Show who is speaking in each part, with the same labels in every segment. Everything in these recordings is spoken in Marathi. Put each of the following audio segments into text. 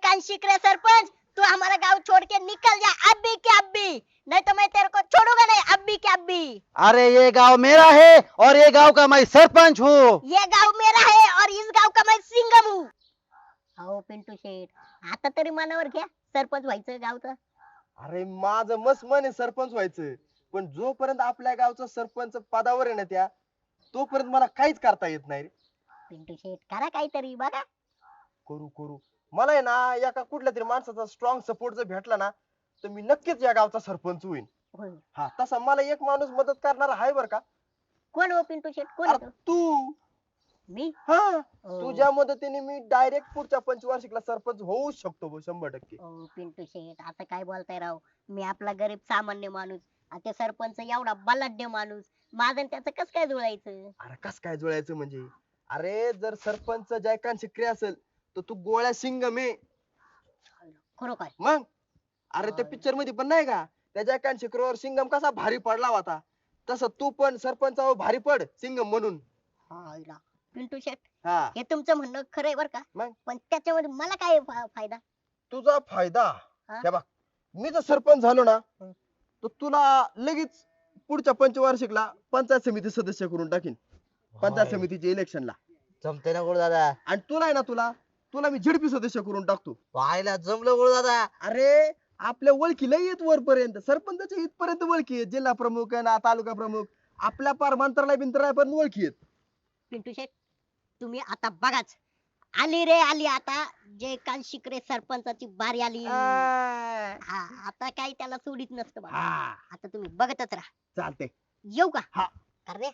Speaker 1: कांशी करे सरपंच, तू हमारा गांव छोड़ के निकल जा अभी के अभी, नहीं तो मैं तेरे को छोड़ूंगा नहीं अभी के अभी।
Speaker 2: अरे ये गांव मेरा है और ये गांव का मैं सरपंच हूँ।
Speaker 1: ये गांव मेरा है और इस गांव का मैं सिंघम हूँ। अहो पिंटू शेठ, आता तरी मनावर घ्या सरपंच व्हायचं गावचं।
Speaker 3: अरे माझं मस्त मन आहे सरपंच व्हायचं, पण जोपर्यंत आपल्या गावचा सरपंच पदावर आहे ना त्या, तोपर्यंत मला काहीच करता येत नाही रे.
Speaker 1: पिंटू शेठ करा काहीतरी बघा।
Speaker 3: करू करू मला आहे ना एका कुठल्या तरी माणसाचा स्ट्रॉंग सपोर्ट जर भेटला ना, तर मी नक्कीच या गावचा सरपंच होईन.
Speaker 1: होय.
Speaker 3: हा तसा मला एक माणूस मदत करणारा आहे बर का.
Speaker 1: कोण हो पिंटू शेठ, कोण
Speaker 3: अरे
Speaker 1: आहे तो?
Speaker 3: तू.
Speaker 1: मी?
Speaker 3: हा
Speaker 1: ओ.
Speaker 3: तुझ्या मदतीने मी डायरेक्ट पुढच्या पंचवार्षिकला सरपंच होऊ शकतो भाऊ, 100%.
Speaker 1: ओ पिंटू शेठ आता काय बोलताय राव, मी आपला गरीब सामान्य माणूस, आणि ते सरपंच एवढा बलाढ्य माणूस, माझं आणि त्याचं कस काय जुळायचं?
Speaker 3: अरे कस काय जुळायचं म्हणजे, अरे जर सरपंच जयकांत शिक्रे असेल तर तू गोळ्या सिंगम आहे.
Speaker 1: खरोखर?
Speaker 3: मग अरे त्या पिक्चर मध्ये पण नाही का, त्या जयकांत शिक्रेवर सिंगम कसा भारी पडला होता, तसं तू पण सरपंचावर भारी पड सिंगम म्हणून.
Speaker 1: हा इला. पिंटू शेठ
Speaker 3: हा
Speaker 1: हे तुमचं म्हणणं खरंय बर का,
Speaker 3: मग
Speaker 1: पण त्याच्यामध्ये मला काय फायदा?
Speaker 3: तुझा फायदा
Speaker 1: हा?
Speaker 3: हे बघ, मी जर सरपंच झालो ना, तर तुला लगेच पुढच्या पंचवार्षिकला पंचायत समिती सदस्य करून टाकीन, पंचायत समितीच्या इलेक्शनला.
Speaker 4: जमते ना गोड दादा.
Speaker 3: आणि तुला आहे ना, तुला तुला मी झडपी सदस्य करून टाकतो.
Speaker 4: व्हायला जमलं गोड दादा.
Speaker 3: अरे आपल्या ओळखी लय येत वरपर्यंत, सरपंचाच्या इथपर्यंत ओळखी आहेत, जिल्हा प्रमुख आहे ना, तालुका प्रमुख, आपल्या पार मंत्रालय बिंत्रालय पण ओळखी आहेत.
Speaker 1: पिंटू शेठ तुम्ही आता बघाच, आली रे आली आता जयकांत शिकरे सरपंचाची बारी आली. हा आता काही त्याला सोडित नसतं बाबा.
Speaker 3: हा
Speaker 1: आता तुम्ही बघतच राहा.
Speaker 3: चालते.
Speaker 1: येऊ का?
Speaker 3: हा.
Speaker 1: अरे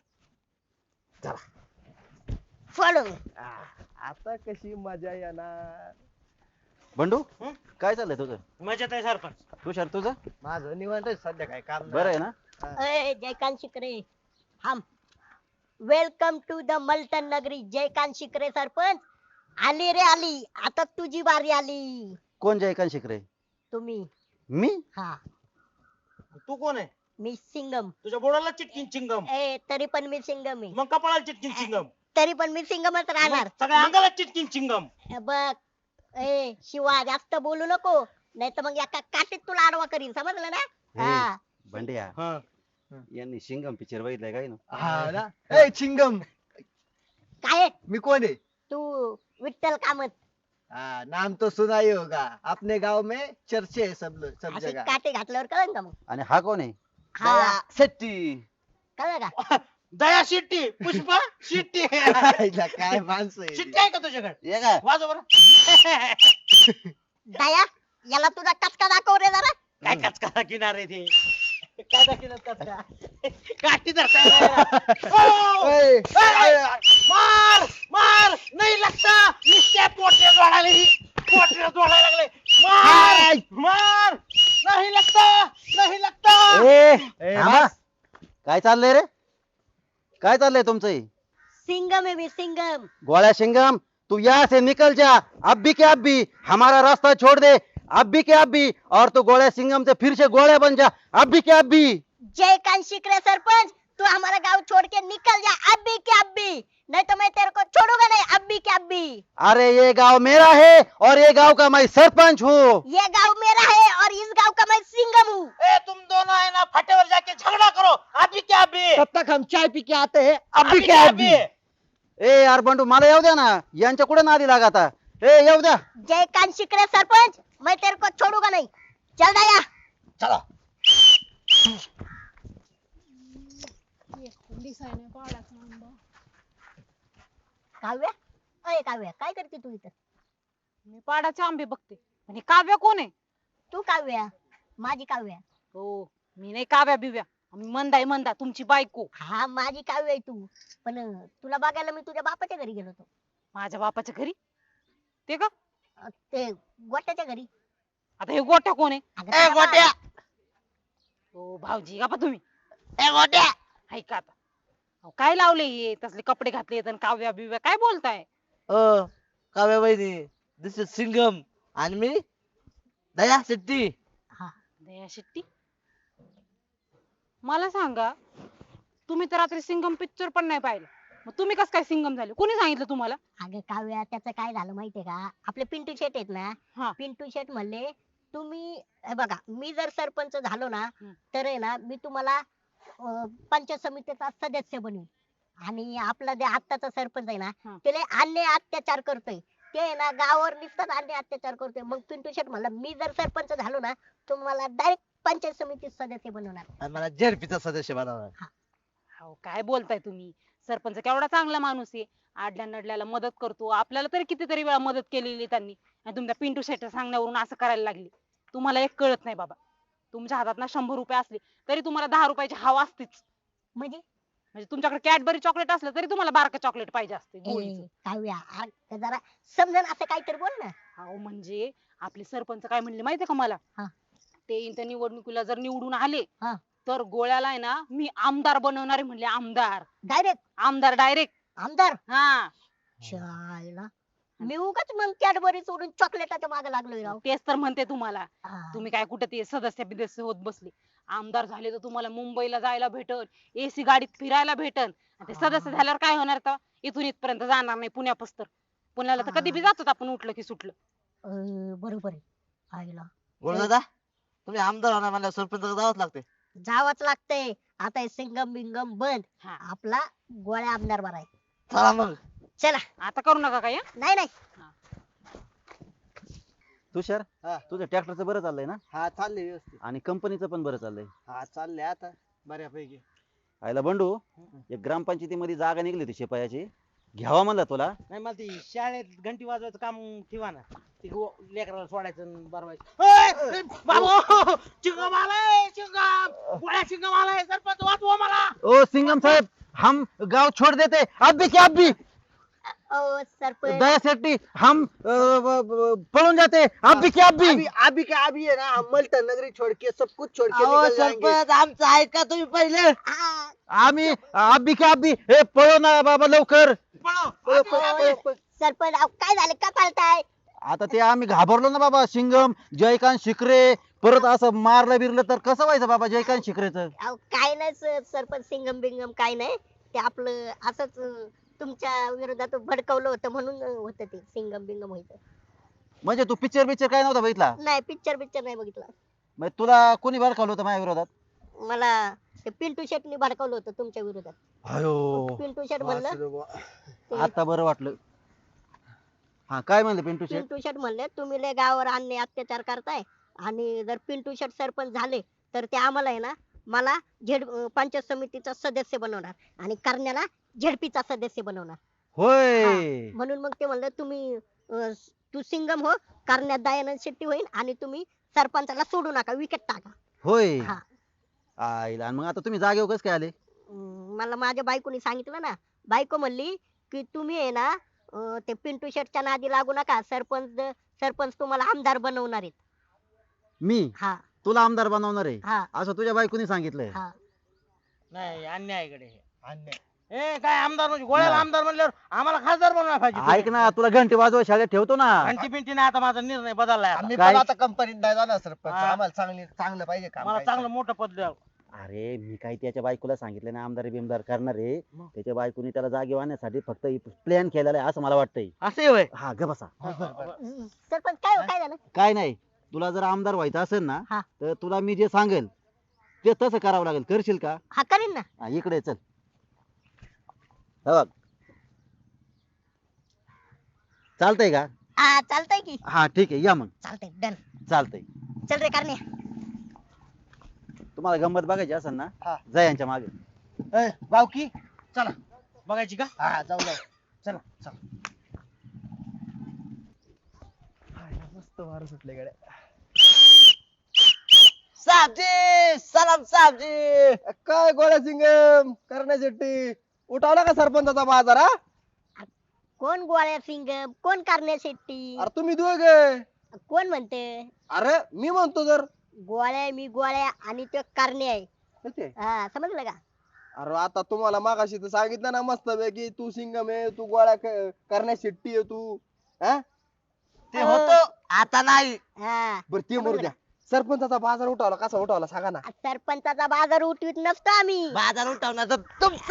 Speaker 3: चला.
Speaker 1: फॉलो.
Speaker 3: आता कशी मजा येणार.
Speaker 2: बंडू
Speaker 5: हं?
Speaker 2: काय चाललंय तुझं?
Speaker 5: मजेत आहे सरपंच.
Speaker 2: तुषार तुझं
Speaker 4: माझं निवांत आहे सध्या, काय काम
Speaker 2: बरं आहे ना?
Speaker 1: जयकांत शिकरे हम वेलकम टू द मल्टन नगरी. जयकांत शिकरे सरपंच, आली रे आली आता तुझी बारी आली.
Speaker 2: कोण जयकांत शिकरे?
Speaker 1: तुम्ही.
Speaker 2: मी?
Speaker 1: हा
Speaker 5: तू कोण आहे?
Speaker 1: मी सिंगम.
Speaker 5: तुझ्या बोडाला चिटकीन चिंगम,
Speaker 1: तरी पण मी सिंगम आहे.
Speaker 5: मग कपाळाला चिटकीन चिंगम,
Speaker 1: तरी पण मी सिंगमच राहणार.
Speaker 5: मग सगळ्या अंगाला चिटकीन चिंगम.
Speaker 1: बघ शिवा जास्त बोलू नको, नाही तर मग एका काठीत तुला आडवा करीन, समजलं ना? हा.
Speaker 2: बंड्या
Speaker 5: हा.
Speaker 2: यांनी शिंगम पिक्चर बघितलाय काय ना?
Speaker 3: हा ना. ए चिंगम,
Speaker 1: काय
Speaker 3: मी कोण आहे?
Speaker 1: तू विठ्ठल कामत.
Speaker 4: नाम तो सुना ही होगा, अपने गांव में चर्चे है सब
Speaker 1: अशी
Speaker 4: जगह.
Speaker 1: काठी घातल्यावर कळन का मग?
Speaker 2: आणि हा कोण आहे?
Speaker 1: हा
Speaker 4: शेट्टी.
Speaker 1: कळलं का?
Speaker 5: दया शिट्टी, पुष्पा शिट्टी.
Speaker 4: आईला काय माणसं आहे.
Speaker 5: शिट्टी आहे का तुझ्याकडे?
Speaker 2: ये काय?
Speaker 5: वाजव बरं.
Speaker 1: दया याला तुझा कचका दाखव रे जरा.
Speaker 5: काय कचका किनारे ते, काय दाखिनात कचका, काठी धरता.
Speaker 3: ए,
Speaker 5: मार मार, नाही लगता, नुसत्या पोटऱ्या जोडायला ही, पोटऱ्या जोडायला लागले. मार मार, नाही लगता, नाही लगता.
Speaker 3: ए,
Speaker 2: थांबा.
Speaker 3: बस.
Speaker 2: काय चाललंय रे? काय चाललंय तुमचं हे?
Speaker 1: सिंगम है मी सिंगम.
Speaker 2: गोळ्या शिंगम, तू यहाँ से निकल जा अभी के अभी, हमारा रास्ता छोड़ दे अभी के अभी, और तू गोळ्या सिंगम से फिर से गोळ्या बन जा अभी के अभी.
Speaker 1: जयकांत शिकरे सरपंच, तू हमारा गांव छोड़ के निकल जा अभी के अभी, नहीं तो मैं तेरे को छोड़ूंगा नहीं अभी के अभी।
Speaker 2: अरे ये गांव मेरा है और ये गांव का मैं सरपंच हूँ.
Speaker 1: ये गांव मेरा है और इस गांव का मैं सिंगम हूँ।
Speaker 5: ए तुम दोनों है ना फटेवर जाके झगड़ा करो, अभी क्या अभी,
Speaker 4: तब तक हम चाय पी के आते हैं.
Speaker 5: अभी क्या अभी.
Speaker 2: ए यार बंडू मला येऊ द्या ना, यांच्या कुठे नादी लागा आता. ए येऊ द्या.
Speaker 1: जयकांत शिकरे सरपंच, मैं तेरे को छोड़ूंगा नहीं, चल दया.
Speaker 5: चला.
Speaker 1: काव्या, अय काव्या काय करते तू इथं?
Speaker 6: मी पाडाचे आंबे बघते. आणि काव्या कोण आहे?
Speaker 1: तू काव्या, माझी काव्या.
Speaker 6: हो मी नाही काव्या बिव्या, आम्ही मंदा आहे मंदा, तुमची बायको.
Speaker 1: हा माझी काव्य आहे तू, पण तुला बघायला मी तुझ्या बापाच्या घरी गेलो होतो.
Speaker 6: माझ्या बापाच्या घरी? ते का?
Speaker 1: ते गोट्याच्या घरी.
Speaker 6: आता हे गोट्या कोण आहे?
Speaker 1: अगं
Speaker 5: ए
Speaker 1: तुझ्या
Speaker 5: गोट्या,
Speaker 6: हो भाऊजी का तुम्ही
Speaker 5: ए गोट्या.
Speaker 6: ऐका आता. अहो, काय लावले हे तसले कपडे घातले आणि काव्या बिव्या काय बोलताय?
Speaker 4: काव्या बहिणी, दिस इज सिंगम आणि मी दया शेट्टी.
Speaker 6: दया शेट्टी. मला सांगा, तुम्ही तर रात्री सिंगम पिक्चर पण नाही पाहिलं, मग तुम्ही कसं काय सिंगम झाले कोणी सांगितलं तुम्हाला?
Speaker 1: अगं काव्या त्याचं काय झालं माहितीये का, आपले पिंटू शेट आहेत
Speaker 6: हा.
Speaker 1: ना, पिंटू शेट म्हणले तुम्ही हे बघा, मी जर सरपंच झालो ना, तर आहे ना मी तुम्हाला पंचायत समितीचा सदस्य बनवीन. आणि आपला जे आत्ताचा सरपंच आहे ना, ते लय अन्याय अत्याचार करतोय. ते आहे ना गावावर नुसताच अन्याय अत्याचार करतोय. मग पिंटू शेट म्हणला मी जर सरपंच झालो ना, तुम्हाला डायरेक्ट पंचायत समितीत सदस्य बनवणार.
Speaker 4: आणि मला झेडपीचा सदस्य बनवणार.
Speaker 6: अहो काय बोलताय तुम्ही? सरपंच केवढा चांगला माणूस आहे, आडल्या नडल्याला मदत करतो. आपल्याला तरी कितीतरी वेळा मदत केलेली आहे त्यांनी, आणि तुमच्या पिंटू शेट्या सांगण्यावरून असं करायला लागली. तुम्हाला एक कळत नाही बाबा. तुमच्या हातात ना 100 रुपये असले तरी तुम्हाला 10 रुपयाची हवा असतीच.
Speaker 1: म्हणजे
Speaker 6: म्हणजे तुमच्याकडे कॅडबरी चॉकलेट असलं तरी तुम्हाला बारकं चॉकलेट पाहिजे असते गोळीचं.
Speaker 1: काव्या जरा समजून असं काहीतरी बोल ना.
Speaker 6: अहो म्हणजे आपले सरपंच काय म्हणले माहितीये का मला?
Speaker 1: हा.
Speaker 6: ते त्या निवडणुकीला जर निवडून आले
Speaker 1: हा.
Speaker 6: तर गोळ्याला आहे ना मी आमदार बनवणार आहे म्हणले. आमदार
Speaker 1: डायरेक्ट
Speaker 6: आमदार डायरेक्ट.
Speaker 1: आमदार.
Speaker 6: हा
Speaker 1: शाळेला मी उगाच मग कॅडबरी सोडून चॉकलेटाच्या मागे लागलोय राव.
Speaker 6: तेच तर म्हणते तुम्हाला.
Speaker 1: हा.
Speaker 6: तुम्ही काय कुठे ते सदस्य बिदस्य होत बसले. आमदार झाले तर तुम्हाला मुंबईला जायला भेटन, एसी गाडीत फिरायला भेटन. आणि ते सदस्य झाल्यावर काय होणार तर इथून इथपर्यंत जाणार नाही पुण्यापासून. पुण्याला तर कधी बी जातो आपण उठलं की सुटलं.
Speaker 1: बरोबर आहे. आईला
Speaker 4: बोल दादा, तुम्ही आमदार होणार म्हणल्यावर सरपंच जावंच लागते.
Speaker 1: जावंच लागतंय. आता हे सिंगम बिंगम बंद.
Speaker 6: हा.
Speaker 1: आपला गोळ्या आमदार बरा आहे.
Speaker 4: चला मग.
Speaker 1: चला.
Speaker 6: आता करू नका काय.
Speaker 1: नाही नाही
Speaker 2: तुषार
Speaker 5: हा.
Speaker 2: तुझ्या ट्रॅक्टरचं बरं चाललंय ना,
Speaker 5: हा चाललंय व्यवस्थित.
Speaker 2: आणि कंपनीचं पण बरं चाललंय.
Speaker 5: हा चाललंय आता बऱ्यापैकी.
Speaker 2: आयला बंडू, एक ग्रामपंचायतीमध्ये जागा निघली होती शिपायाची, घ्यावा म्हणलं तुला.
Speaker 5: नाही मला ती शाळेत घंटी वाजवायचं काम ठेवा ना. ती लेकराला सोडायचं आणि बरवायचं. बाबू चिंगम आलाय, चिंगम गोळ्या चिंगम आलाय. सरपंच वाचवा मला.
Speaker 2: ओ सिंगम साहेब, हम गांव छोड़ देते, अब भी क्या अब भी
Speaker 1: ओ सरपंच
Speaker 2: दया सेठी, हम पळून जाते, अब भी क्या अब भी.
Speaker 5: अभी क्या अभी है ना, हम मल्टन नगरी छोड़ के सब कुछ छोड़ के
Speaker 4: अहो
Speaker 5: निकल जाएंगे.
Speaker 4: सरपंच आमचं ऐका तुम्ही पहिले.
Speaker 1: आ,
Speaker 2: आम्ही अब भी क्या अब भी, हे पळो ना बाबा लवकर.
Speaker 5: पळो,
Speaker 1: पळो,
Speaker 5: अभी
Speaker 1: पळो,
Speaker 5: अभी.
Speaker 1: पळो. सरपंच अहो, काय झालं का पाळताय?
Speaker 2: आता ते आम्ही घाबरलो ना बाबा. सिंगम, जयकांत शिकरे परत असं मारलं बिरलं तर कसं व्हायचं बाबा जयकांत शिकरेचं.
Speaker 1: अहो काय नाही सरपंच सिंगम बिंगम काय नाही. ते आपलं असंच तुमच्या विरोधात भडकवलं होतं म्हणून होतं ते सिंगम बिंगम व्हायचं.
Speaker 2: म्हणजे तू पिक्चर काय नव्हता बघितला?
Speaker 1: नाही पिक्चर नाही बघितला.
Speaker 2: मग तुला कोणी भडकावलं होतं माझ्या विरोधात?
Speaker 1: मला ते पिंटू शेटनी भडकवलं होतं तुमच्या विरोधात.
Speaker 2: अयो,
Speaker 1: पिंटू शेट म्हणलं
Speaker 5: वासरे बुवा.
Speaker 1: ते
Speaker 2: आता बरं वाटलं. हा काय म्हणले पिंटू शेट?
Speaker 1: पिंटू शेट म्हणले तुम्ही लय गावावर अन्याय अत्याचार करताय, आणि जर पिंटू शेट सरपंच झाले तर ते आम्हाला आहे ना मला पंचायत समितीचा सदस्य बनवणार आणि करण्याला झेडपीचा सदस्य बनवणार.
Speaker 2: होय.
Speaker 1: म्हणून मग ते म्हणलं तुम्ही तू सिंगम हो, करण्यात दयानंद शेट्टी होईल आणि तुम्ही सरपंचाला सोडू नका, विकेट टाका.
Speaker 2: होय.
Speaker 1: हा.
Speaker 2: आईला, आणि मग आता तुम्ही जागेवर कसं काय आले?
Speaker 1: मला माझ्या बायकोनी सांगितलं ना. बायको म्हणली की तुम्ही आहे ना ते पिंटू शेटच्या नादी लागू नका, सरपंच तुम्हाला आमदार बनवणार आहेत.
Speaker 2: मी
Speaker 1: हा
Speaker 2: तुला आमदार बनवणार आहे
Speaker 1: हा
Speaker 2: असं तुझ्या बायकोनी सांगितलंय?
Speaker 1: हा.
Speaker 5: नाही अन्यायाकडे हे. अन्याय. ए काय आमदार म्हणजे गोळ्याला
Speaker 2: नाही.
Speaker 5: आमदार म्हणल्यावर आम्हाला खासदार बनवायला पाहिजे.
Speaker 2: ऐक ना, तुला घंटी वाजवा शाळेत ठेवतो ना.
Speaker 5: घंटी पिंटी नाही, आता माझा निर्णय बदललाय आता.
Speaker 3: आम्ही
Speaker 2: काय?
Speaker 3: पण आता कंपनीत नाही जाणार सरपंच.
Speaker 5: हा.
Speaker 3: आम्हाला चांगलं पाहिजे काम.
Speaker 5: मला
Speaker 3: काय
Speaker 5: चांगलं मोठं पद द्या.
Speaker 2: अरे मी काही त्याच्या बायकोला सांगितलं ना आमदार बिमदार करणार आहे. त्याच्या बायकोनी त्याला जागेवर आणण्यासाठी फक्त प्लॅन केलेला आहे असं मला वाटतंय.
Speaker 5: असे होय.
Speaker 2: हा ग बसा.
Speaker 1: सरपंच काय झालं?
Speaker 2: काय नाही, तुला जर आमदार व्हायचं असेल ना
Speaker 1: हा.
Speaker 2: तर तुला मी जे सांगेल ते तसं करावं लागेल. करशील का?
Speaker 1: हा करीन ना.
Speaker 2: हा, इकडे चल. हे बघ, चालतंय का?
Speaker 1: हा चालतंय की.
Speaker 2: हा ठीक आहे, या मग.
Speaker 1: चालतंय डन.
Speaker 2: चालतंय.
Speaker 1: चल रे करण्या.
Speaker 2: तुम्हाला गंमत बघायची असेल ना,
Speaker 5: हा.
Speaker 2: जा यांच्या मागे.
Speaker 5: ए, बावकी चला बघायची का?
Speaker 3: हा जाऊ
Speaker 5: चला चला.
Speaker 3: मस्त वारं सुटले गड्या.
Speaker 4: साहेबजी, सलाम साहेबजी.
Speaker 3: काय गोळ्या सिंगम करण्यासाठी उठावला का सरपंचाचा बाजार? हा
Speaker 1: कोण गोळ्या सिंगम, कोण करण्या शेट्टी,
Speaker 3: अरे तुम्ही दोघे.
Speaker 1: कोण म्हणते?
Speaker 3: अरे मी म्हणतो जर
Speaker 1: गोळ्या मी गोळ्या आणि ते करणे आहे.
Speaker 3: कसे?
Speaker 1: हा समजलं का?
Speaker 3: अरे आता तुम्हाला मागाशी तर सांगितलं ना मस्त पैकी तू सिंगम आहे, तू गोळ्या करण्या शेट्टी आहे तू. हा
Speaker 4: ते होतो आता नाही.
Speaker 1: हा
Speaker 3: बर ते मरू द्या. सरपंचाचा बाजार उठवला कसा उठवला सांगा ना.
Speaker 1: सरपंचाचा बाजार उठवीत नसतो आम्ही
Speaker 4: बाजार उठवणार तर तुमचा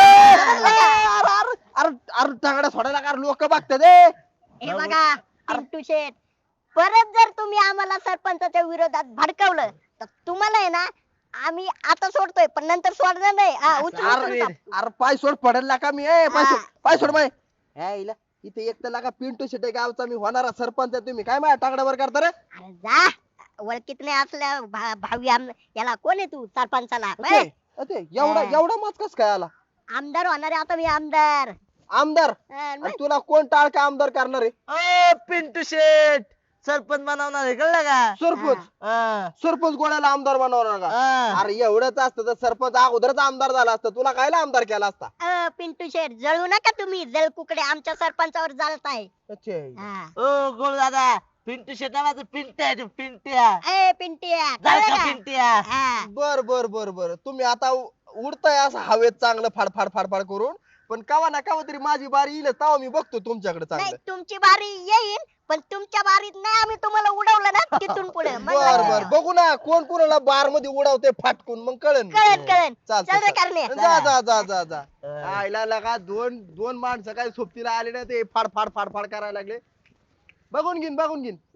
Speaker 3: अरे टांगड्या सोडायला का लोक बघतात रे.
Speaker 1: हे बघा पिंटू शेठ, परत जर तुम्ही आम्हाला सरपंचाच्या विरोधात भडकवलं तर तुम्हाला आहे ना आम्ही आता सोडतोय पण नंतर सोडणार नाही. उचलून
Speaker 3: अरे
Speaker 1: टाकू.
Speaker 3: अरे पाय सोड पडेल का मी ए पाय सोड
Speaker 1: हा.
Speaker 3: पाय सोड माय इला इथे एक तर लागा पिंटू शेटे गावचा मी होणारा सरपंच आहे. तुम्ही काय माझ्या टांगड्यावर करता रे.
Speaker 1: अरे जा, ओळखीत नाही असल्या भावी याला कोण आहे तू सरपंचाला
Speaker 3: ते एवढा
Speaker 1: हा.
Speaker 3: एवढा मत कस काय आला.
Speaker 1: आमदार होणार आहे आता मी आमदार.
Speaker 3: आमदार
Speaker 1: मग
Speaker 3: आणि तुला कोण टाळका आमदार करणार आहे.
Speaker 4: पिंटू शेट सरपंच बनवणार आहे कळलं का
Speaker 3: सरपंच
Speaker 4: हा,
Speaker 3: सरपंच गोळ्याला आमदार बनवणार का.
Speaker 4: हा.
Speaker 3: अरे एवढंच असतं तर सरपंच अगोदरच आमदार झाला असता. तुला कायला आमदार केला असता.
Speaker 1: पिंटू शेठ जळू नका तुम्ही, जळ कुकडे आमच्या सरपंचावर जळताय. हा.
Speaker 4: ओ गोळ दादा पिंटू शेट नावाचं पिंट्या आहे तो, पिंट्या
Speaker 1: ए पिंटिया
Speaker 4: जाऊ
Speaker 1: कळलं
Speaker 4: का
Speaker 1: का?
Speaker 4: पिंट्या
Speaker 1: हा.
Speaker 3: बर बर बर बर तुम्ही आता उडताय असं हवेत चांगलं फाडफाड फाडफाड करून. पण कवा ना कवा तरी माझी बारी येईल तेव्हा मी बघतो तुमच्याकडे
Speaker 1: नाही
Speaker 3: चांगलं.
Speaker 1: तुमची बारी येईल पण तुमच्या बारीत नाही आम्ही तुम्हाला उडवलं ना तिथून पुढे मग
Speaker 3: बर
Speaker 1: लक्षात
Speaker 3: बर
Speaker 1: ठेवा.
Speaker 3: बघू ना कोण कोणाला बार मध्ये उडवते फाटकून मग कळन.
Speaker 1: कळन कळन.
Speaker 3: चालतं
Speaker 1: चल रे
Speaker 3: चालतं.
Speaker 1: करणे.
Speaker 3: जा जा जा जा जा आईला लगा दोन दोन माणसं काय सोबतीला आले ना ते फाड फाड फाड फाड करायला लागले. बघून घेईन बघून घेईन.